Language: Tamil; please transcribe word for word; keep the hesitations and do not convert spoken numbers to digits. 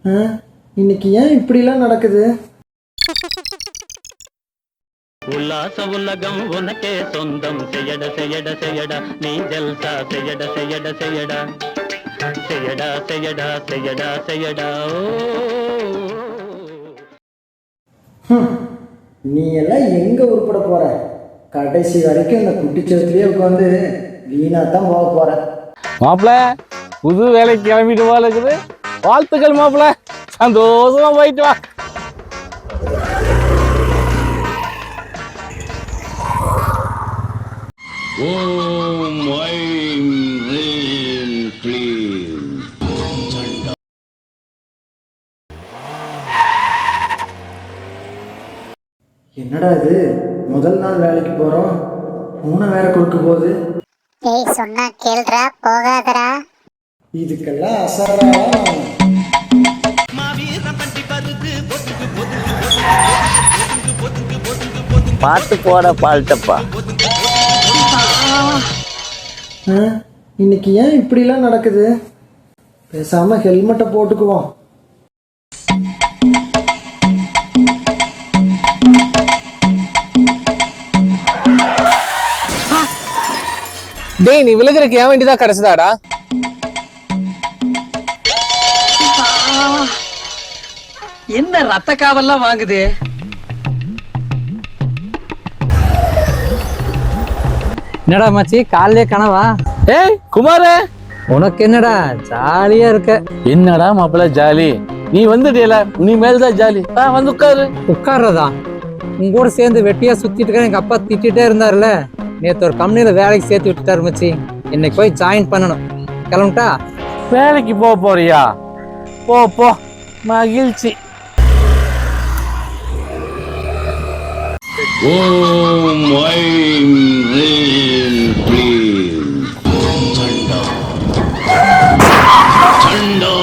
இன்னைக்கு ஏன் இப்படிலாம் நடக்குது? உல்லாச உலகம் உனக்கே சொந்தம் செய்யட செய்யட செய்யடா நீ ஜல்சா செய்யட செய்யட செய்யடா செய்யடா செய்யடா செய்யடா செய்யடா நீ எல்லாம் எங்க உருப்பட போற? கடைசி வரைக்கும் இந்த குட்டிச்சவத்திலேயே உட்காந்து வீணா தான் போக போற. மாப்பிள்ள புது வேலைக்கு கிளம்பிட்டு போல இருக்குது. வாழ்த்துக்கள் மாப்பிள்ள, சந்தோஷமா போயிட்டு வா. ஓம் ஐம் ரீம் க்ளீம். என்னடா இது, முதல் நாள் வேலைக்கு போறோம், மூணை வேற கொடுக்க போகுது. ஏய் சொன்னா கேள்றா, போகாதடா. இதுக்கெல்லாம் அசரா பார்த்து போட பால்ட்டப்பா. இன்னைக்கு ஏன் இப்படிலாம் நடக்குது? பேசாம ஹெல்மெட்டை போட்டுக்குவோம். டேய், நீ விழுகிறதுக்கு ஏன் வேண்டிதான் கிடைச்சதாடா? என்ன ரத்த காவல்லாம் வாங்குது? என்னடா மச்சி, காலையே கனவா? ஏய் குமாரே, உனக்கு என்னடா ஜாலியா இருக்க? என்னடா மாப்பிள்ள ஜாலி? நீ வந்துட்டியல, நீ மேல்தான் ஜாலி. வந்து உட்காரு. உட்கார்றதா? உங்க கூட சேர்ந்து வெட்டியா சுத்திட்டு இருக்க எங்க அப்பா திட்டிட்டே இருந்தாருல, நேத்து ஒரு கம்பெனில வேலைக்கு சேர்த்து விட்டுட்டாரு மச்சி. இன்னைக்கு போய் ஜாயின் பண்ணணும். கிளம்பிட்டா? வேலைக்கு போக போறியா? போ போ, மகிழ்ச்சி. ஓம் ஐம் ரீம் க்ளீம். சண்டா சண்டா